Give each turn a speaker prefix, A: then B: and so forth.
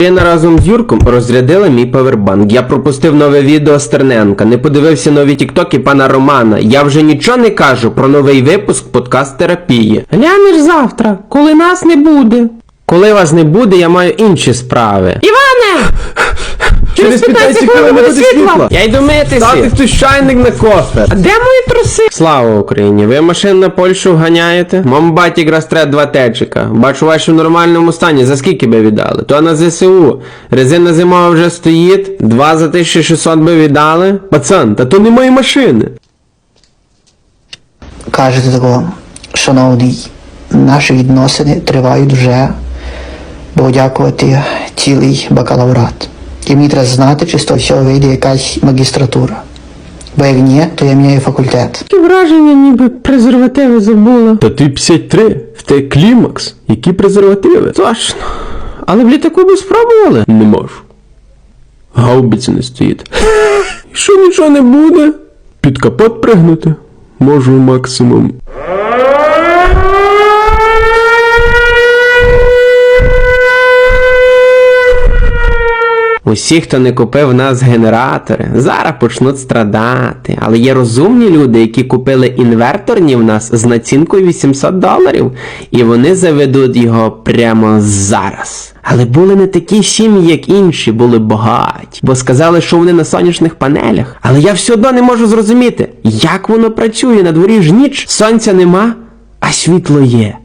A: Ірина разом з Юрком розрядила мій павербанк. Я пропустив нове відео Стерненка, не подивився нові тіктоки пана Романа. Я вже нічого не кажу про новий випуск подкаст-терапії.
B: Глянеш завтра, коли нас не буде.
A: Коли вас не буде, я маю інші справи.
B: Іване!
A: Через 15 секунд не буде світла. Я йду митися. Ставте хтось чайник на кофе.
B: А де мої труси?
A: Слава Україні! Ви машин на Польщу вганяєте? Мам батік розтрет 2 течика. Бачу ваші в нормальному стані. За скільки би віддали? То на ЗСУ. Резина зимова вже стоїть. 2 за 1600 би віддали. Пацан, та то не мої машини.
C: Кажете такого, шановний, наші відносини тривають вже, бо дякувати цілий бакалаврат. І мені треба знати, чи з того всього вийде якась магістратура. Бо як ні, то я міняю факультет.
B: Таке враження, ніби презервативи забула.
A: Та ти 53. В те клімакс. Які презервативи? Точно. Але в літаку би спробували? Не можу. Гаубиці не стоїть. І що нічого не буде? Під капот пригнути? Можу максимум. Усі, хто не купив в нас генератори, зараз почнуть страдати. Але є розумні люди, які купили інверторні в нас з націнкою $800. І вони заведуть його прямо зараз. Але були не такі сім'ї, як інші, були багаті. Бо сказали, що вони на сонячних панелях. Але я все одно не можу зрозуміти, як воно працює. На дворі ж ніч, сонця нема, а світло є.